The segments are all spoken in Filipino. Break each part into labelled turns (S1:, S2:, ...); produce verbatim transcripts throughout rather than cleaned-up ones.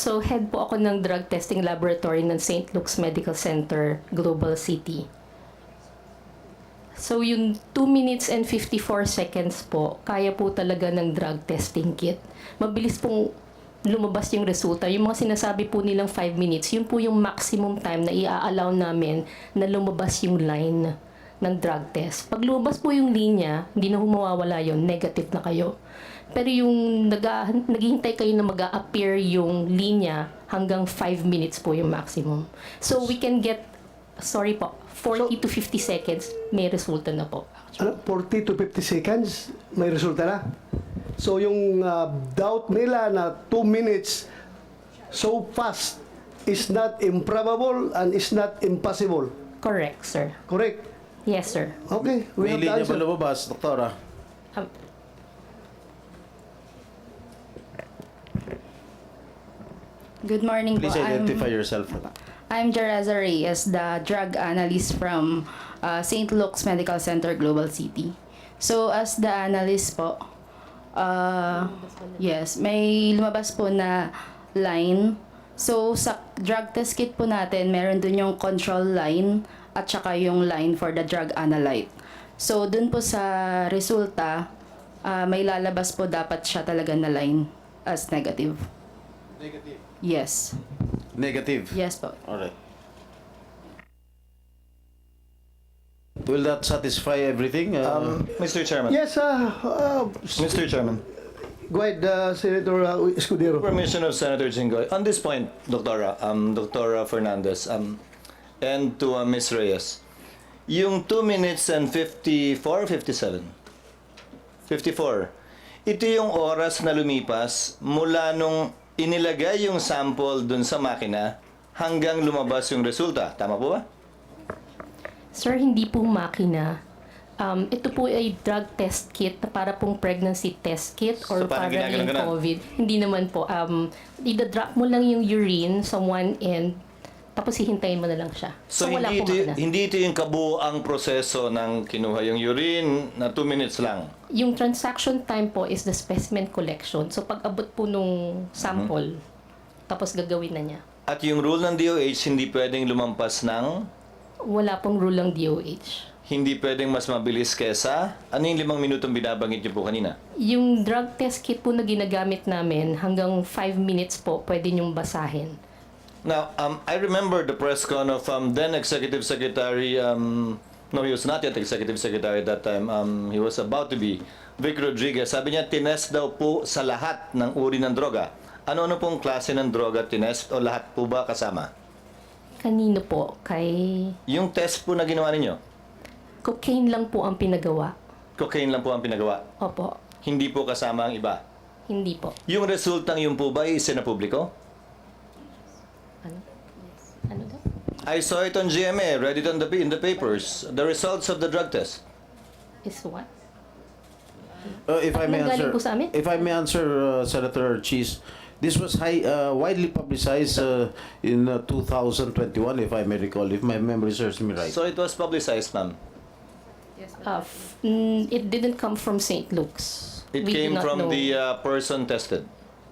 S1: So, head po ako ng drug testing laboratory ng Saint Luke's Medical Center, Global City. So, yung two minutes and fifty-four seconds po, kaya po talaga ng drug testing kit. Mabilis pong lumabas yung resulta. Yung mga sinasabi po nilang five minutes, yun po yung maximum time na i-allow namin na lumabas yung line ng drug test. Pag lumabas po yung linya, hindi na humawawala yun, negative na kayo. Pero yung nag naghihintay kayo na mag-a-appear yung linya, hanggang five minutes po yung maximum. So, we can get, sorry po, forty to fifty seconds, may resulta na po.
S2: Ano, forty to fifty seconds, may resulta na. So yung uh, doubt nila na two minutes so fast is not improbable and is not impossible.
S1: Correct, sir.
S2: Correct?
S1: Yes, sir.
S2: Okay, we
S3: May
S2: have the
S3: linya ba
S2: answer.
S3: lumabas, Doktora?
S1: Um,
S4: Good morning
S3: Please
S4: po.
S3: identify
S4: I'm,
S3: yourself.
S4: I'm Jereza Reyes, the drug analyst from uh, Saint Luke's Medical Center, Global City. So, as the analyst po, uh, yes, may lumabas po na line. So, sa drug test kit po natin, meron dun yung control line at saka yung line for the drug analyte. So, dun po sa resulta, uh, may lalabas po dapat siya talaga na line as negative.
S3: Negative.
S4: Yes.
S3: Negative.
S4: Yes po.
S3: Alright. Will that satisfy everything? Uh,
S5: Um, Mister Chairman.
S2: Yes, uh, uh,
S5: Mister Chairman.
S2: go ahead, uh, Senator uh, Escudero.
S5: Permission of Senator Jinggoy. On this point, Doctora, um, Doctora Fernandez, um, and to uh, Miz Reyes, yung two minutes and fifty-four, fifty-seven? fifty-four. Ito yung oras na lumipas mula nung inilagay yung sample dun sa makina hanggang lumabas yung resulta. Tama po ba?
S1: Sir, hindi po makina. Um, ito po ay drug test kit na para pong pregnancy test kit or
S5: So, parang
S1: para
S5: ginaganon
S1: yung
S5: ganon?
S1: COVID. Hindi naman po. Um, ida-drop mo lang yung urine sa one end, tapos hihintayin mo na lang siya.
S5: So,
S1: wala
S5: hindi,
S1: po
S5: ito,
S1: makina.
S5: hindi ito yung kabuang proseso ng kinuha yung urine na two minutes lang.
S1: Yung transaction time po is the specimen collection. So, pag abot po nung sample, tapos gagawin na niya.
S5: At yung rule ng D O H, hindi pwedeng lumampas ng,
S1: Wala pong rule ng D O H.
S5: hindi pwedeng mas mabilis kesa, ano yung limang minutong binabanggit niyo po kanina?
S1: Yung drug test kit po na ginagamit namin, hanggang five minutes po, pwede niyong basahin.
S5: Now, um, I remember the press con of um, then Executive Secretary, um, no, he was not yet Executive Secretary at that time, um, he was about to be, Vic Rodriguez. Sabi niya, tinest daw po sa lahat ng uri ng droga. Ano-ano pong klase ng droga tinest o lahat po ba kasama?
S1: Kanino po? Kay
S5: Yung test po na ginawa ninyo,
S1: cocaine lang po ang pinagawa.
S5: cocaine lang po ang pinagawa.
S1: Opo,
S5: Hindi po kasama ang iba.
S1: hindi po.
S5: Yung resultang yun po ba isinapubliko?
S1: Ano? Ano daw?
S5: I saw it on G M A, read it on the, in the papers. The results of the drug test.
S1: Is what?
S3: uh, if I may
S1: Nanggaling
S3: answer,
S1: po sa amin?
S3: if I may answer, uh, Senator Cheese, this was high, uh, widely publicized uh, in uh, two thousand twenty-one, if I may recall, if my memory serves me right.
S5: So it was publicized, ma'am.
S1: Uh, f- mm, it didn't come from Saint Luke's.
S5: It
S1: We do
S5: came
S1: not
S5: from
S1: know.
S5: the uh, person tested.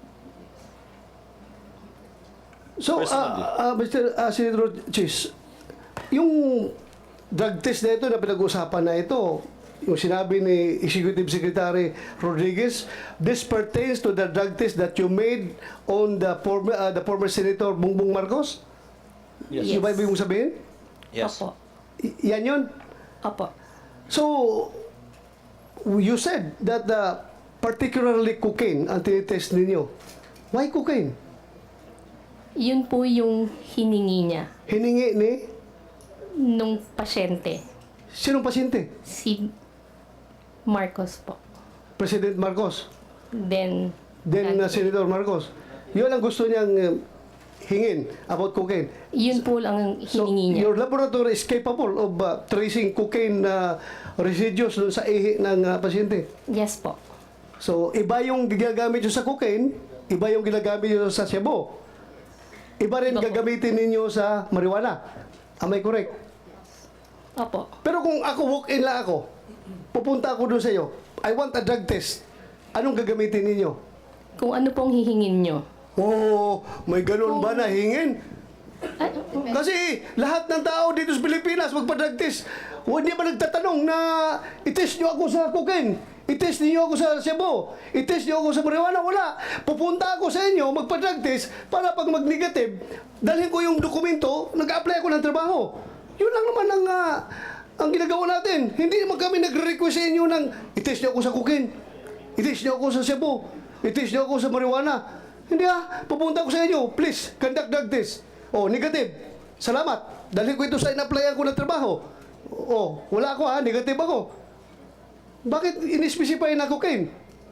S2: So,
S5: Personally.
S2: uh, uh, Mister Uh, Senator Chis, yung drug test na ito na pinag-usapan na ito, yung sinabi ni Executive Secretary Rodriguez, this pertains to the drug test that you made on the former, uh, the former Senator Bongbong Marcos?
S5: Yes.
S1: Yes.
S2: Yung ba ibig mong sabihin?
S5: Yes.
S1: Opo.
S2: Y- yan yun?
S1: Opo.
S2: So, you said that the particularly cocaine ang tinitest ninyo. Why cocaine?
S1: Yun po yung hiningi niya
S2: Hiningi ni
S1: nung pasyente.
S2: sinong pasyente?
S1: Si Marcos po.
S2: President Marcos.
S1: Then,
S2: Then uh, Senator Marcos. Yun ang gusto niyang uh, hingin about cocaine.
S1: yun po lang ang
S2: So,
S1: hiningi niya.
S2: your laboratory is capable of uh, tracing cocaine uh, residues dun sa ihi ng uh, pasyente.
S1: Yes po.
S2: So, iba yung ginagamit nyo sa cocaine, iba yung ginagamit nyo sa shabu. Iba rin
S1: Iba po.
S2: gagamitin ninyo sa marijuana. Am I correct?
S1: Opo.
S2: Pero kung ako, walk-in lang ako, pupunta ako doon sa iyo, I want a drug test. Anong gagamitin ninyo?
S1: Kung ano pong hihingin nyo.
S2: Oh, may ganun ba na hingin?
S1: Ay,
S2: Kasi lahat ng tao dito sa Pilipinas magpa-drug test. Hindi ba nagtatanong na itest nyo ako sa cocaine? Itest niyo ako sa Cebu? Itest niyo ako sa marijuana? Wala. Pupunta ako sa inyo, magpa-drug test para pag mag-negative, dalhin ko yung dokumento, nag-apply ako ng trabaho. Yun lang naman ang, ah, ang ginagawa natin. Hindi naman kami nagre-request sa inyo ng itest niyo ako sa cocaine. Itest niyo ako sa Cebu. Itest niyo ako sa marijuana. Hindi ah, pupunta ako sa inyo. Please, conduct drug test. Oh, negative. Salamat. Dahil ko ito sa in-applyan ko ng trabaho. Oh, wala ako ha, negative ako. Bakit in-specify na cocaine?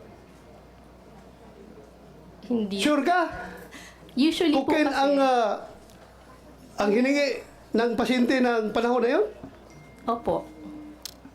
S1: hindi.
S2: Sure ka?
S1: Usually po
S2: Cocaine
S1: kasi,
S2: ang ah, ang hiningi ng pasyente ng panahon na yun?
S1: opo.